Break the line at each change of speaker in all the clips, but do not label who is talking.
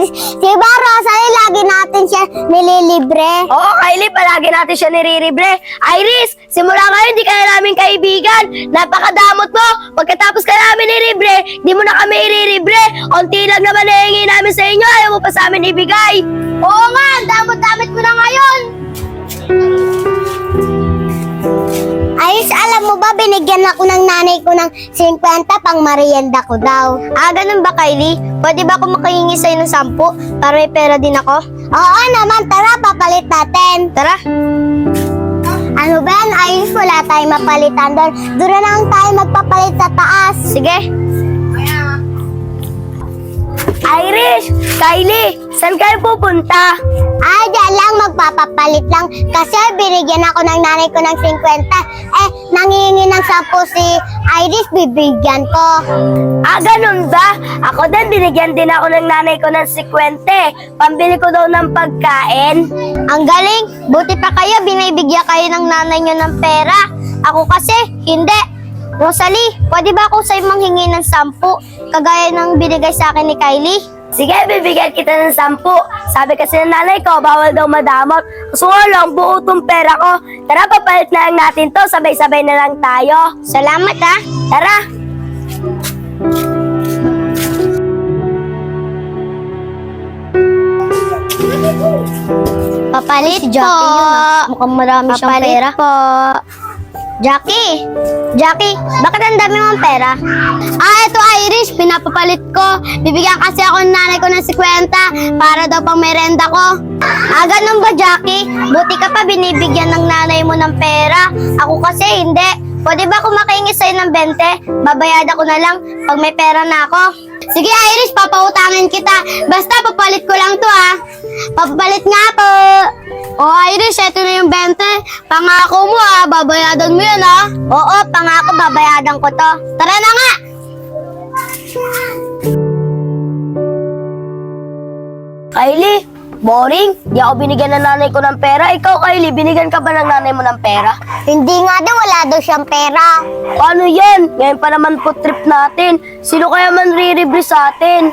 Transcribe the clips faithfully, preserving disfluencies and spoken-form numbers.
Iris. Si ba, Rosalie, lagi natin siya nililibre.
Oo, Kylie, palagi natin siya niriribre. Iris, simula ngayon, di ka na namin kaibigan. Napakadamot mo. Pagkatapos ka namin niribre, di mo na kami iriribre. Unti lang naman nahingi namin sa inyo, ayaw mo pa sa amin ibigay.
Oo nga, ang damot-damot mo na ngayon. Iris, alam mo ba, binigyan ako ng nanay ko ng fifty pang merienda ko daw.
Ah, ganun ba, Kylie? Pwede ba ako makahingi sa'yo ng sampu para may pera din ako?
Oo naman, tara, papalit natin.
Tara.
Ano ba yan, Iris? Wala tayong mapalitan doon. Doon na lang tayo magpapalit sa taas.
Sige. Iris, Kylie, saan kayo pupunta?
Ay, dyan lang, magpapapalit lang. Kasi binigyan ako ng nanay ko ng fifty. Eh, nangihingi ng sampu si Iris, bibigyan ko.
Ah, ganun ba? Ako din, binigyan din ako ng nanay ko ng fifty. Pambili ko daw ng pagkain.
Ang galing, buti pa kayo, binibigyan kayo ng nanay nyo ng pera. Ako kasi, hindi. Rosalie, pwede ba ako sa'yo manghingi ng sampu? Kagaya ng binigay sa akin ni Kylie?
Sige, bibigyan kita ng sampu. Sabi kasi ng nanay ko, bawal daw madamot. Gusto ko lang, buo tong pera ko. Tara, papalit na lang natin to. Sabay-sabay na lang tayo.
Salamat ha.
Tara.
Papalit
Si Jackie
po.
yun, ah. Mukhang marami siyang
Papalit
pera.
po. Jackie! Jackie, bakit ang dami mong pera? Ah, ito Irish, pinapapalit ko. Bibigyan kasi ako ng nanay ko ng fifty para daw pang merenda ko. Ah, ganun ba Jackie? Buti ka pa binibigyan ng nanay mo ng pera. Ako kasi hindi. Pwede ba kung makahingi sa'yo ng twenty? Babayad ako na lang pag may pera na ako. Sige Irish, papautangin kita. Basta papalit ko lang to ha. Papalit nga po. O Irish, eto na yung twenty. Pangako mo ha, babayadan mo yan ha. Oo, pangako babayadan ko to. Tara na nga.
Kylie, boring. Di ako binigyan ng nanay ko ng pera. Ikaw, Kylie, binigyan ka ba ng nanay mo ng pera?
Hindi nga daw, wala daw siyang pera.
Paano yan? Ngayon pa naman po trip natin. Sino kaya man riribri sa atin?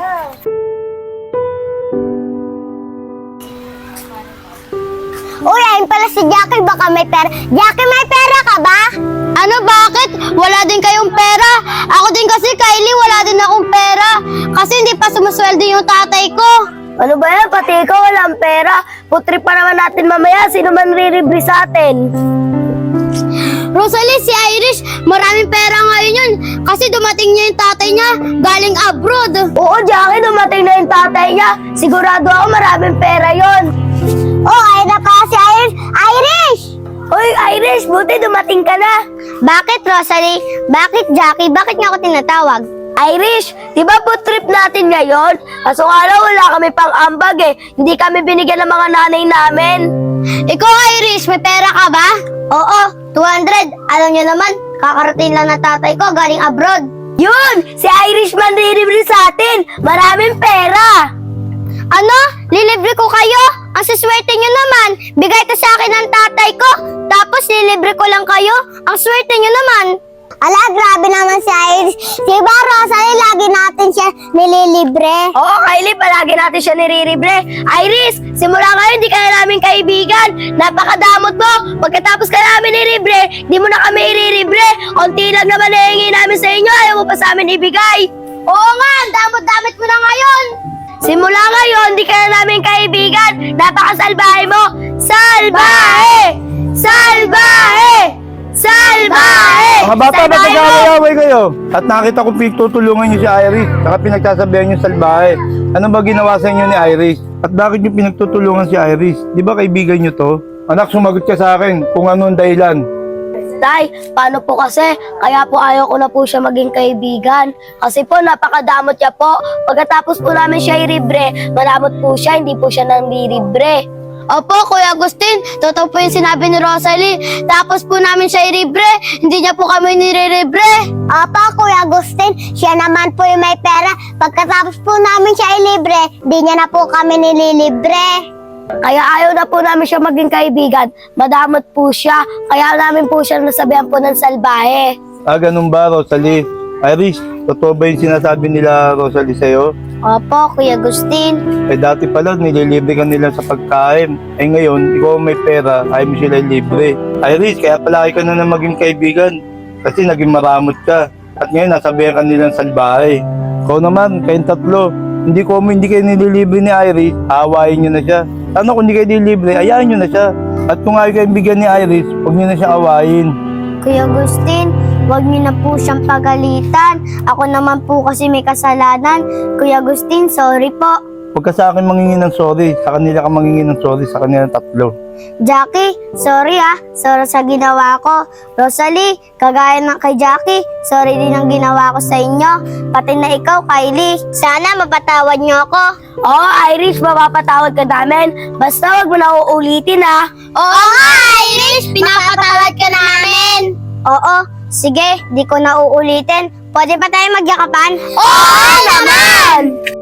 Uy, ayun pala si Jackie, baka may pera. Jackie, may pera ka ba? Ano, bakit? Wala din kayong pera. Ako din kasi, Kylie, wala din akong pera. Kasi hindi pa sumasweldo yung tatay ko.
Ano ba yan? Pati ikaw walang pera. Putrip pa naman natin mamaya. Sino man riribri sa atin?
Rosalie, si Irish, maraming pera ngayon yun. Kasi dumating niya yung tatay niya, galing abroad.
Oo, Jackie, dumating na yung tatay niya. Sigurado ako maraming pera yon.
Oh, ayun na pala si Irish. Irish!
Uy, Irish, buti dumating ka na.
Bakit, Rosalie? Bakit, Jackie? Bakit niya ako tinatawag?
Irish, di ba po trip natin ngayon? Kaso nga lang, wala kami pang ambag eh. Hindi kami binigyan ng mga nanay namin.
Ikaw, Irish, may pera ka ba? Oo, two hundred. Alam niyo naman, kakarating lang ng tatay ko galing abroad.
Yun! Si Irishman riribri sa atin. Maraming pera.
Ano? Lilibre ko kayo? Ang siswerte niyo naman. Bigay to sa akin ng tatay ko. Tapos lilibre ko lang kayo? Ang swerte niyo naman. Ala, grabe naman si Iris. Si ba, Rosalie, lagi natin siya nililibre.
Oo, Kylie, palagi natin siya niriribre. Iris, simula ngayon, di ka na namin kaibigan. Napakadamot mo. Pagkatapos ka namin niribre, di mo na kami iriribre. Unti lang naman nahingi namin sa inyo, ayaw mo pa sa amin ibigay.
Oo nga, ang damot-damot mo na ngayon.
Simula ngayon, di ka na namin kaibigan. Napakasalbahe mo. Salbahe! Salbahe! Salbahe!
Mga bata, ba't
Salbahe mo!
nag-aaway kayo? At nakita kong pinagtutulungan niyo si Iris, saka pinagsasabihan niyo salbahe. Ano ba ginawa sa inyo ni Iris? At bakit niyo pinagtutulungan si Iris? Di ba kaibigan niyo to? Anak, sumagot ka sa akin kung anong dahilan.
Tay, paano po kasi? Kaya po ayaw ko na po siya maging kaibigan. Kasi po, napakadamot niya po. Pagkatapos po namin siya iribre, malamot po siya, hindi po siya nang liribre.
Opo, Kuya Agustin, totoo po yung sinabi ni Rosalie. Tapos po namin siya iribre, hindi niya po kami niriribre. Opo, Kuya Agustin, siya naman po yung may pera. Pagkatapos po namin siya ilibre, hindi niya na po kami nililibre.
Kaya ayaw na po namin siya maging kaibigan. Madamot po siya. Kaya namin po siya nasabihan po ng salbahe.
Ah, ganun ba, Rosalie? Iris, totoo ba yung sinasabi nila Rosalie sa'yo?
Opo, Kuya Agustin.
Eh dati pala, nililibre ka nila sa pagkain. Eh ngayon, ikaw ang may pera, ayaw mo sila libre. Iris, kaya palaki ka na na maging kaibigan. Kasi naging maramot ka. At ngayon, nasabihan ka nilang salbahe. Ikaw naman, kayong tatlo. Hindi ko mo hindi kayo nililibre ni Iris, aawayin nyo na siya. Sana kung hindi kayo nililibre, ayayin nyo na siya. At kung ayaw kayong bigyan ni Iris, huwag nyo na siyang awayin.
Kuya Agustin, huwag niyo na po siyang pagalitan. Ako naman po kasi may kasalanan. Kuya Agustin, sorry po.
Huwag ka sa akin mangingin ng sorry. Sa kanila ka mangingin ng sorry, sa kanila tatlo.
Jackie, sorry ah. Sorry sa ginawa ko. Rosalie, kagaya ng kay Jackie, sorry din ang ginawa ko sa inyo. Pati na ikaw, Kylie. Sana mapatawad niyo ako.
Oo, Iris, mapapatawad ka namin. Basta wag mo na uulitin ha.
Oo nga, Iris! Pinapatawad ka namin! Oo, sige, di ko na uulitin. Pwede pa tayo magyakapan?
Oo naman!